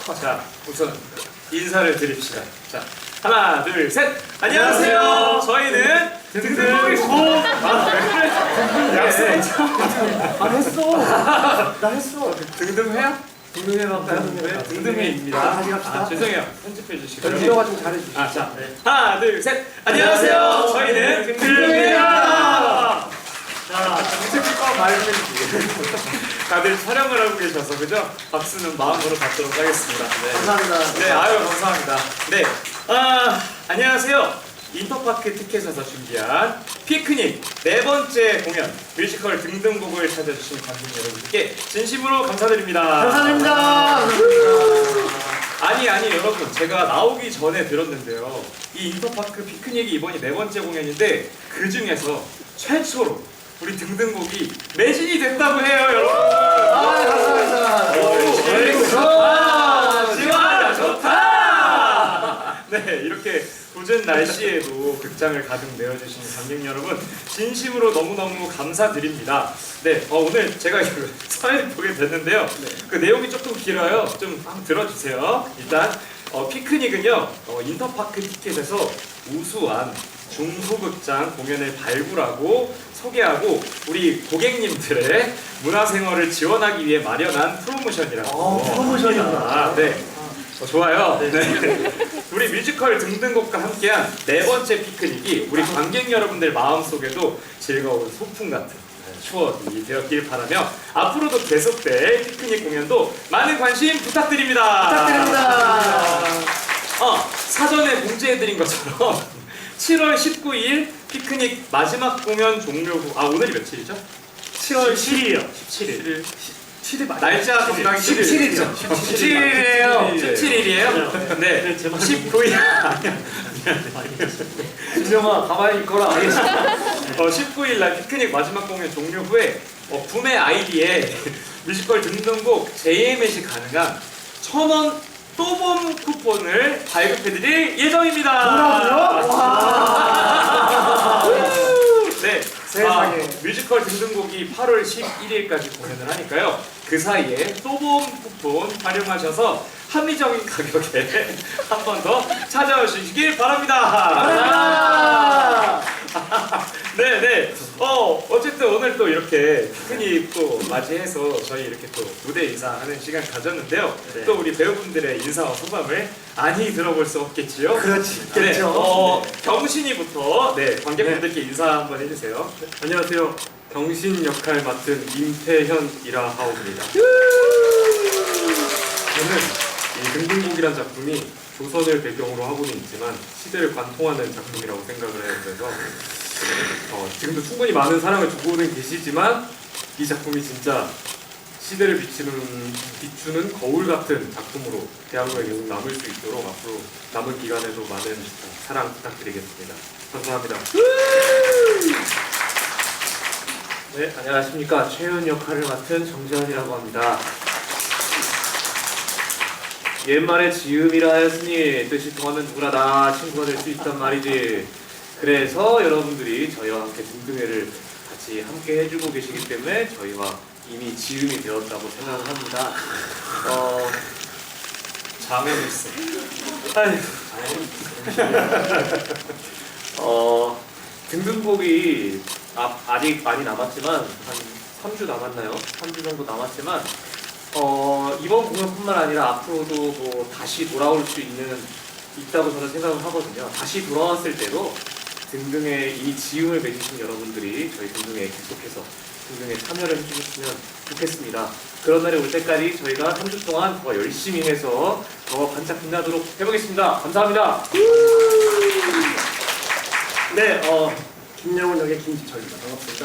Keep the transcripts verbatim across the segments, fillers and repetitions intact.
자, 우선 인사를 드립시다. 자, 하나, 둘, 셋. 안녕하세요. 안녕하세요. 저희는 등등보이고. 약속했죠? 아 했어. 나 했어. 등등회야? 등등해볼까요? 네, 등등회입니다. 아, 다시 갑시다. 아, 죄송해요. 편집해 주시고요. 연주가 좀 잘해주시죠. 아, 자, 네. 하나, 둘, 셋. 안녕하세요. 저희는 등등회입니다. 자, 정책과 말씀해 주시고. 다들 촬영을 하고 계셔서 그죠? 박수는 마음으로 받도록 하겠습니다. 네. 감사합니다. 네, 아유 감사합니다. 네, 아 안녕하세요. 인터파크 티켓에서 준비한 피크닉 네 번째 공연 뮤지컬 등등곡을 찾아주신 관객 여러분께 진심으로 감사드립니다. 감사드립니다. 아니 아니 여러분, 제가 나오기 전에 들었는데요. 이 인터파크 피크닉이 이번이 네 번째 공연인데 그 중에서 최초로 우리 등등곡이 매진이 됐다고 해요, 여러분. 아, 감사합니다. 오, 좋다, 지원아 좋다. 네, 이렇게 궂은 날씨에도 극장을 가득 메워주신 관객 여러분, 진심으로 너무너무 감사드립니다. 네, 어, 오늘 제가 그 사회를 보게 됐는데요. 그 내용이 조금 길어요. 좀 한번 들어주세요. 일단 어, 피크닉은요, 어, 인터파크 티켓에서 우수한 중소극장 공연을 발굴하고 소개하고 우리 고객님들의 문화생활을 지원하기 위해 마련한 프로모션이라고. 어, 프로모션이구나. 아, 네. 어, 좋아요. 네. 우리 뮤지컬 등등곡과 함께한 네 번째 피크닉이 우리 관객 여러분들 마음속에도 즐거운 소풍 같은 추억이 되었길 바라며 앞으로도 계속될 피크닉 공연도 많은 관심 부탁드립니다. 부탁드립니다. 어, 사전에 공지해드린 것처럼 칠월 십구일 피크닉 마지막 공연 종료 후, 아 오늘이 며칠이죠? 칠월 칠일이요. 십칠일. 칠일 맞 날짜 건강히 십칠일이죠. 십칠일이에요. 네. 십칠일이에요? 네. 십구일. 진영아 가만히 있거라. 어, 십구일 날 피크닉 마지막 공연 종료 후에 어, 구매 아이디에 뮤지컬 등등곡 제이엠에이 가능한 천 원 또봄 쿠폰을 발급해드릴 예정입니다. 뭐라고요? 네, 세상에. 아, 뮤지컬 등등곡이 팔월 십일일까지 공연을 하니까요. 그 사이에 또봄 쿠폰 활용하셔서 합리적인 가격에 한 번 더 찾아오시길 바랍니다. 네, 네. 어, 어쨌든 오늘 또 이렇게 피크닉 또 맞이해서 저희 이렇게 또 무대 인사하는 시간 가졌는데요. 네. 또 우리 배우분들의 인사와 소감을 많이 들어볼 수 없겠지요. 그렇지. 네, 그렇죠. 어, 경신이부터 네 관객분들께 인사 한번 해주세요. 안녕하세요. 경신 역할 맡은 임태현이라 하옵니다. 저는 이 등등곡이란 작품이 조선을 배경으로 하고는 있지만 시대를 관통하는 작품이라고 생각을 해요. 그래서 어, 지금도 충분히 많은 사랑을 주고는 계시지만 이 작품이 진짜 시대를 비추는, 비추는 거울 같은 작품으로 대한민국에 계속 남을 수 있도록 앞으로 남은 기간에도 많은 사랑 부탁드리겠습니다. 감사합니다. 네, 안녕하십니까. 최윤 역할을 맡은 정재현이라고 합니다. 옛말에 지음이라 하였으니 뜻이 통하면 누구나 다 친구가 될 수 있단 말이지. 그래서 여러분들이 저희와 함께 등등회를 같이 함께 해주고 계시기 때문에 저희와 이미 지음이 되었다고 생각을 합니다. 어... 자매일세. 어... 등등곡이 아, 아직 많이 남았지만 한 삼 주 남았나요? 삼 주 정도 남았지만 어, 이번 공연뿐만 아니라 앞으로도 뭐 다시 돌아올 수 있는 있다고 저는 생각을 하거든요. 다시 돌아왔을 때도 등등에 이미 지음을 맺으신 여러분들이 저희 등등에 계속해서 등등에 참여를 해주셨으면 좋겠습니다. 그런 날이 올 때까지 저희가 삼 주 동안 더 열심히 해서 더 반짝 빛나도록 해보겠습니다. 감사합니다. 네, 어, 김영훈 역의 김지철입니다. 반갑습니다.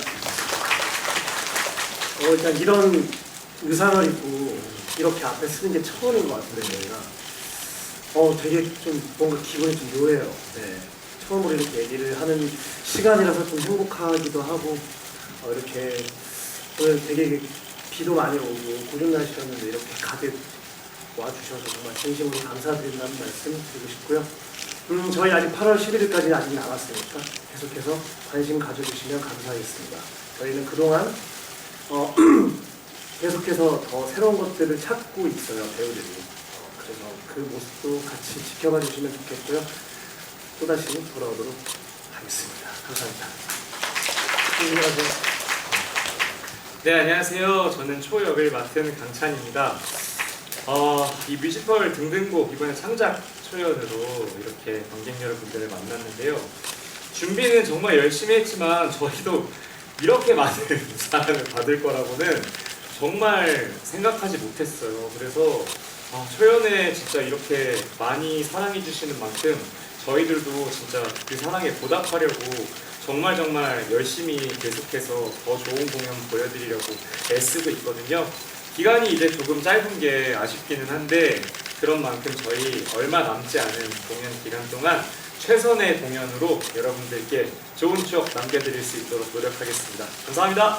어, 일단 이런 의상을 입고 이렇게 앞에 쓰는 게 처음인 것 같은데 저희가 어, 되게 좀 뭔가 기분이 좀 묘해요. 네, 처음으로 이렇게 얘기를 하는 시간이라서 좀 행복하기도 하고 어, 이렇게 오늘 되게 비도 많이 오고 고른 날씨였는데 이렇게 가득 와주셔서 정말 진심으로 감사드린다는 말씀 드리고 싶고요. 음, 저희 아직 팔월 십일일까지 아직 남았으니까 계속해서 관심 가져주시면 감사하겠습니다. 저희는 그동안 어, 계속해서 더 새로운 것들을 찾고 있어요, 배우들이. 그래서 그 모습도 같이 지켜봐 주시면 좋겠고요. 또다시 돌아오도록 하겠습니다. 감사합니다. 안녕하세요. 네, 안녕하세요. 저는 초역을 맡은 강찬입니다. 어, 이 뮤지컬 등등곡 이번에 창작 초연으로 이렇게 관객 여러분들을 만났는데요. 준비는 정말 열심히 했지만 저희도 이렇게 많은 사랑을 받을 거라고는 정말 생각하지 못했어요. 그래서 아, 초연에 진짜 이렇게 많이 사랑해 주시는 만큼 저희들도 진짜 그 사랑에 보답하려고 정말 정말 열심히 계속해서 더 좋은 공연 보여드리려고 애쓰고 있거든요. 기간이 이제 조금 짧은 게 아쉽기는 한데 그런 만큼 저희 얼마 남지 않은 공연 기간 동안 최선의 공연으로 여러분들께 좋은 추억 남겨드릴 수 있도록 노력하겠습니다. 감사합니다.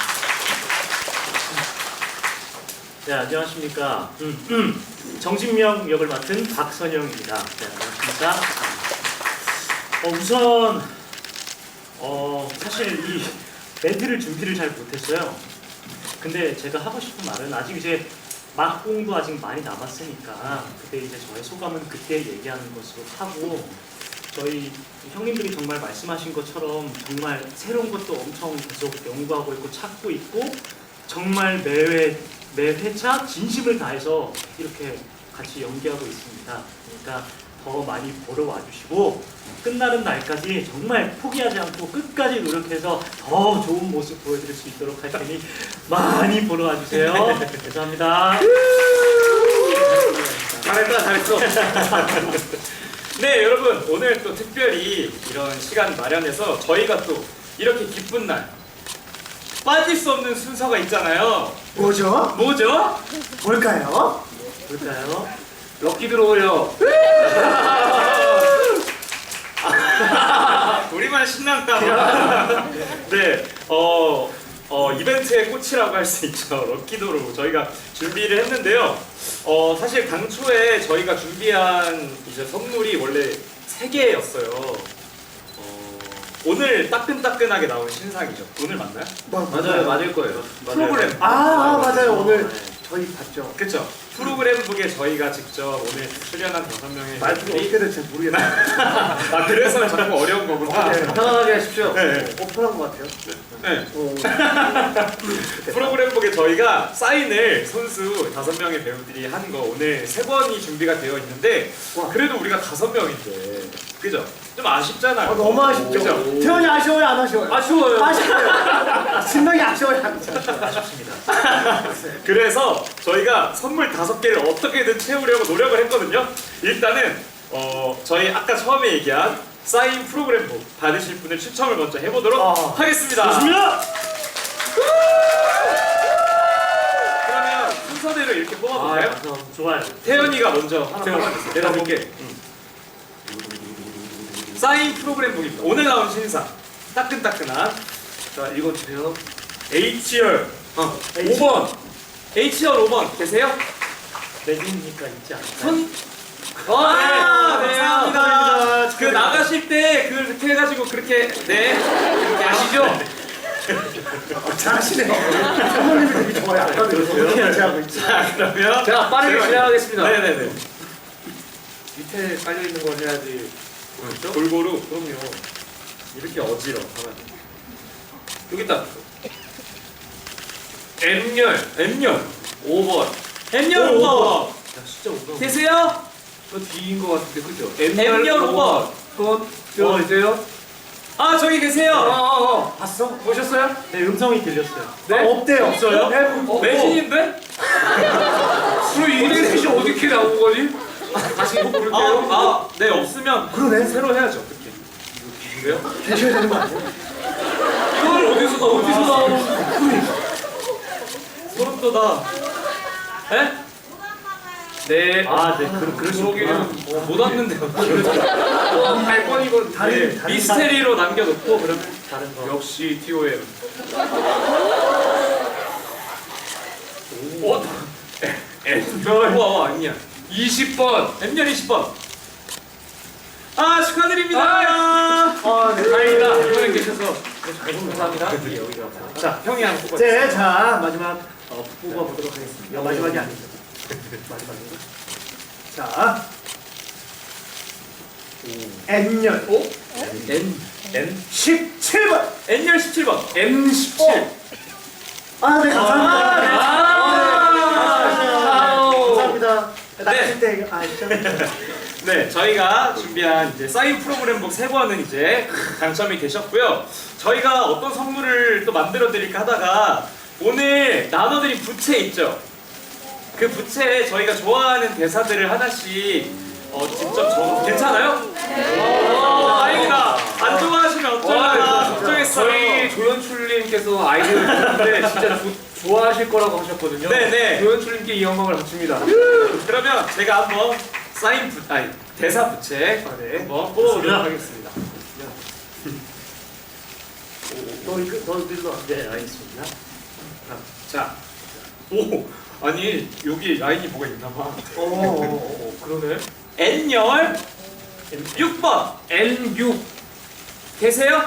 네, 안녕하십니까. 음, 음. 정진명 역을 맡은 박선영입니다. 네, 안녕하십니까. 어, 우선 어, 사실 이 멘트를 준비를 잘 못했어요. 근데 제가 하고 싶은 말은 아직 이제 막공도 아직 많이 남았으니까 그때 이제 저의 소감은 그때 얘기하는 것으로 하고 저희 형님들이 정말 말씀하신 것처럼 정말 새로운 것도 엄청 계속 연구하고 있고 찾고 있고 정말 매회 매 회차 진심을 다해서 이렇게 같이 연기하고 있습니다. 그러니까 더 많이 보러 와주시고 끝나는 날까지 정말 포기하지 않고 끝까지 노력해서 더 좋은 모습 보여드릴 수 있도록 할 테니 많이 보러 와주세요. 감사합니다. 잘했다, 잘했어. 네, 여러분 오늘 또 특별히 이런 시간 마련해서 저희가 또 이렇게 기쁜 날 빠질 수 없는 순서가 있잖아요. 뭐죠? 뭐죠? 뭘까요? 볼까요? 럭키 들어오요. 우리만 신난다. 봐. 네, 어, 어 이벤트의 꽃이라고 할 수 있죠. 럭키도로 저희가 준비를 했는데요. 어 사실 당초에 저희가 준비한 이제 선물이 원래 세 개였어요. 어, 오늘 따끈따끈하게 나온 신상이죠. 오늘 맞나요? 뭐, 맞아요, 맞을 거예요. 프로그램. 아, 아 맞아요. 오늘 네. 저희 봤죠. 그쵸? 프로그램북에 저희가 직접 오늘 출연한 다섯 명의 말투가 분들이 어떻게 될지 잘 모르겠어요. 아 그래서 자꾸 어려운 거구나. 네. 편안하게 하십시오. 네. 어, 편한 것 같아요. 네. 어, 프로그램북에 저희가 사인을 선수 다섯 명의 배우들이 한 거 오늘 세 번이 준비가 되어 있는데 와. 그래도 우리가 다섯 명인데 그죠? 좀 아쉽잖아요. 아, 너무 아쉽죠. 그죠? 태연이 아쉬워요, 안 아쉬워요? 아쉬워요. 아쉽어요. 진명이 아쉬워요, 안 아쉬워요? 아쉽습니다. 그래서 저희가 선물 다섯 개를 어떻게든 채우려고 노력을 했거든요. 일단은 어, 저희 아까 처음에 얘기한 사인 프로그램북 받으실 분을 추첨을 먼저 해보도록 아. 하겠습니다. 좋습니다. 그러면 순서대로 이렇게 뽑아볼까요? 아, 좋아요. 태연이가 먼저 하나 태연아, 뽑아주세요. 내가 볼게. 사인 프로그램북입니다. 오늘 나온 신상 따끈따끈한 자, 읽어주세요. 에이치알 어. 오 번 에이치알 오 번 계세요? 매진이니까 있지 않을까요? 손 아, 네, 네, 감사합니다. 감사합니다. 그 나가실 때 그렇게 해가지고 그렇게 네 그렇게 아시죠? 어, 잘하시네요. 선생님이 되게 좋아요. 아까도 그렇게 하고 있죠. 자 그러면 자, 빠르게 제가- 진행하겠습니다. 네네네. 밑에 깔려있는 걸 해야지. 그렇죠? 골고루 그럼요. 이렇게 어지러 하면 여기 있다. M열 M열 오 번. M열 오, 오 오 번 야, 진짜 오 번. 계세요? 저 D인 것 같은데, 그죠? M열 오 번. 손 들어주세요. 아 저기 계세요. 어어어. 봤어? 보셨어요? 네, 음성이 들렸어요. 네? 아, 없대요. 없어요? 네, 어, 매진인데? 그럼 이 셋이 어떻게 나온 거지? 다시 이거 부를게요. 아, 아, 네 없으면 그러네. 새로 해야죠. 그렇게. 왜요? 계셔야 되는 거 아니에요? 이걸 어디서 나 어디서 나오는 소름 돋아. 에? 네. 아, 네, 그, 그러시구나. 그러기는 어, 못 왔는데요. 어, 갈 뻔이건 다른 네, 다른 미스테리로 남겨놓고 그러면 다른 거. 역시 티오엠. 어? M열 우와 와 아니야. 이십 번. M열 이십 번. 아 축하드립니다. 아, 네. 다행이다. 이번에 계셔서. 감사합니다. 자 형이 한 뽑아. 네, 자 마지막 어, 뽑아보도록 하겠습니다. 마지막이 아니죠. 마지막인가? 자, N열 오? N N 십칠 번. N열 십칠 번 M 십칠. 아, 네, 감사합니다. 아, 네. 아, 감사합니다. 네. 낚실 때, 아, 진짜. 네, 저희가 준비한 이제 사인 프로그램북 세 권은 이제 당첨이 되셨고요. 저희가 어떤 선물을 또 만들어 드릴까 하다가 오늘 나눠드린 부채 있죠? 그 부채에 저희가 좋아하는 대사들을 하나씩 어, 직접 적 괜찮아요? 오, 다행이다. 안 좋아하시면 어쩌려나 걱정했어요. 저희 조연출님께서 아이디어를 줬는데 진짜 조, 좋아하실 거라고 하셨거든요. 네네. 조연출님께 이 영광을 바칩니다. 그러면 제가 한번 사인 부, 아니 대사 부채 아, 네. 한번 뽑아보도록 좋습니다. 하겠습니다. 너 이거, 너 일로 와. 네, 알겠습니다. 자, 오, 아니 여기 라인이 뭐가 있나봐. 어, 어, 어. 그러네. N열 육 번 N 육. 계세요?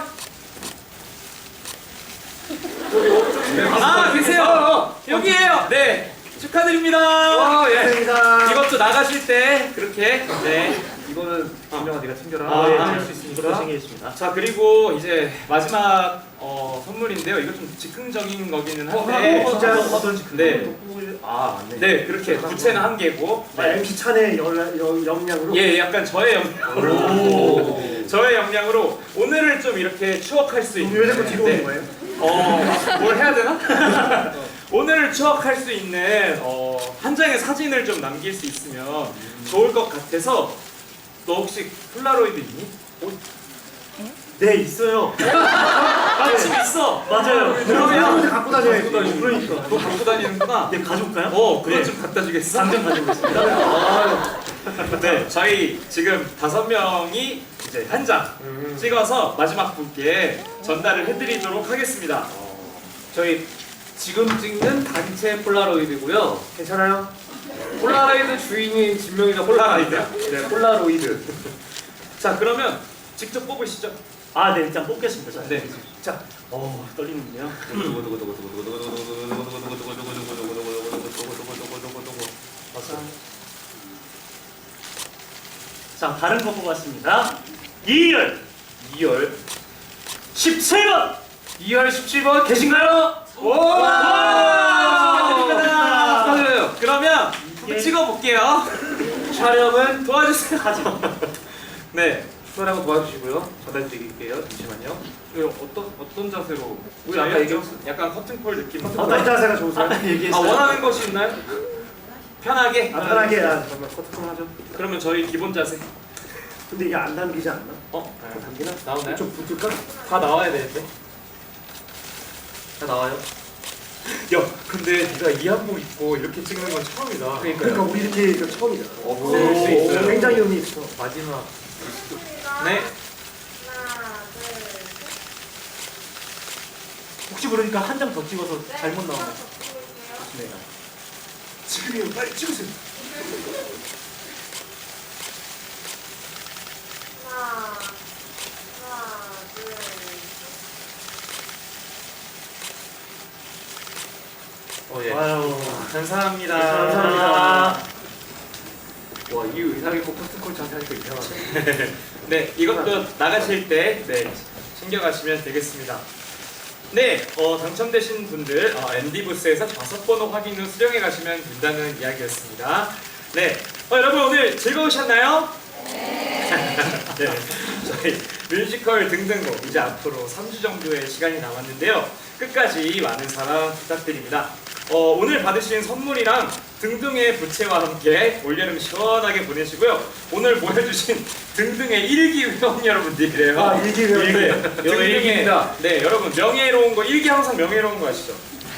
아 계세요. 여기에요. 네, 축하드립니다. 어, 예. 감사합니다. 이것도 나가실 때 그렇게. 네. 이거는 김정아 네가 챙겨라. 아, 예, 할수 이것도 있으니까. 챙기겠습니다. 자, 그리고 이제 마지막 어, 선물인데요. 이거 좀 즉흥적인 거기는 어, 한데. 어, 진짜 어떤지 네. 아, 맞네. 네, 그렇게 부채는 한 개고. 아, 엠씨 찬의 열, 열, 역량으로. 예, 약간 저의 역량으로. 오. 저의 역량으로 오늘을 좀 이렇게 추억할 수 있는. 왜 자꾸 뒤로 네. 오는 거예요? 어, 뭘 해야 되나? 오늘을 추억할 수 있는 어, 한 장의 사진을 좀 남길 수 있으면 좋을 것 같아서. 너 혹시 폴라로이드 있니? 네, 있어요. 아, 집에 있어. 맞아요. 그러면 갖고 다녀야지. 갖고 다니고. 그러니까. 너 갖고 다니는구나. 네, 가져올까요? 어, 그거 네. 좀 갖다 주겠어? 당장 가지고 있습니다. 네, 저희 지금 다섯 명이 이제 한 장 음. 찍어서 마지막 분께 전달을 해드리도록 하겠습니다. 저희 지금 찍는 단체 폴라로이드고요. 괜찮아요? 폴라로이드 주인이 진명이가 폴라로이드요? 네, 폴라로이드. 자, 그러면 직접 뽑으시죠. 아, 네, 일단 뽑겠습니다. 자, 네. 자, 어, 떨리는데요. 자, 다른 거 뽑았습니다. 이열 이열 십칠 번 이열 십칠 번 계신가요? 와! 축하드려요. 그러면 한번 예. 찍어볼게요. 촬영은 도와주세요. 사진. 네. 수고하고 도와주시고요. 전달드릴게요. 잠시만요. 이거 어떤 어떤 자세로? 우리 아까 얘기했어. 약간 커튼콜 느낌. 어떤 자세가 좋으세요? 아까 아, 얘기했어요. 원하는 것이 있나요? 편하게. 아, 편하게. 아, 잠깐만 커트좀 하죠. 그러면 저희 기본 자세. 근데 이게 안 담기지 않나? 어? 아, 담기나? 나오나요? 좀 붙을까? 다 나와야 되는데. 다 나와요. 야, 근데 네가 이 한복 입고 이렇게 찍는 건 처음이다. 그러니까 우리 이렇게 이거 처음이잖아. 없을 수 있어요. 굉장히 의미 있어. 마지막. 네. 하나, 둘, 셋. 혹시 모르니까 한 장 더 찍어서 잘못 나오면 네. 지금이요. 빨리 찍으세요. 하나, 하나, 둘, 셋. 어 예. 아유, 감사합니다. 감사합니다. 와, 이 의상 입고 커트콜 자세하니까 이상하네. 네, 이것도 나가실 때 네, 챙겨가시면 되겠습니다. 네, 어, 당첨되신 분들 어, 엠디 부스에서 좌석 번호 확인 후 수령해 가시면 된다는 이야기였습니다. 네, 어, 여러분 오늘 즐거우셨나요? 네. 네, 저희 뮤지컬 등등곡 이제 앞으로 삼 주 정도의 시간이 남았는데요. 끝까지 많은 사랑 부탁드립니다. 어, 오늘 받으신 선물이랑 등등의 부채와 함께 올여름 시원하게 보내시고요. 오늘 모여주신 등등의 일기 회원 여러분들이래요. 아, 일기 회원. 네, 여기 등등의 일기입니다. 네, 여러분 명예로운 거 일기 항상 명예로운 거 아시죠?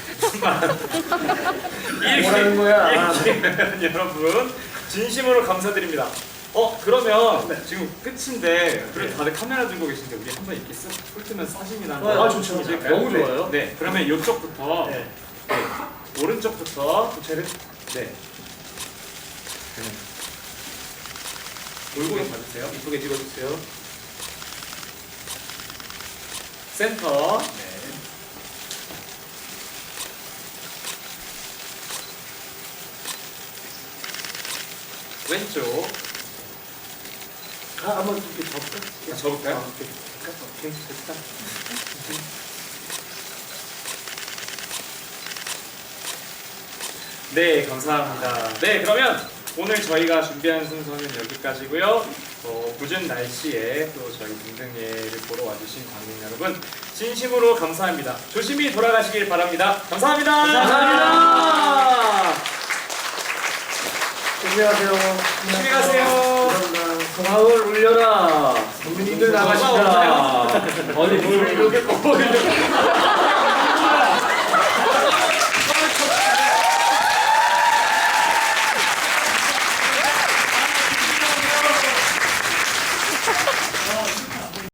일기, 뭐라는 거야? 일기 회원 여러분 진심으로 감사드립니다. 어 그러면 네. 지금 끝인데 그래도 다들 카메라 들고 계신데 우리 한번 이렇게 쓱 훑으면 사진이나 한번 아, 좋죠. 찍을까요? 너무 좋아요. 네, 그러면 이쪽부터 네. 네, 오른쪽부터 부채를 네. 골고루 봐주세요. 이쁘게 찍어주세요. 센터. 네. 왼쪽. 아, 한번 이렇게 접을까? 아, 접을까요? 아, 오케이. 오케이, 됐다. 네, 감사합니다. 네, 그러면 오늘 저희가 준비한 순서는 여기까지고요. 어, 궂은 날씨에 또 저희 등등예를 보러 와주신 관객 여러분 진심으로 감사합니다. 조심히 돌아가시길 바랍니다. 감사합니다. 감사합니다. 조심히 가세요. 조심히 가세요. 감사합니다. 마을 울려라. 국민들 나가시라. 없나요? 어디 뭘 이렇게 꺾어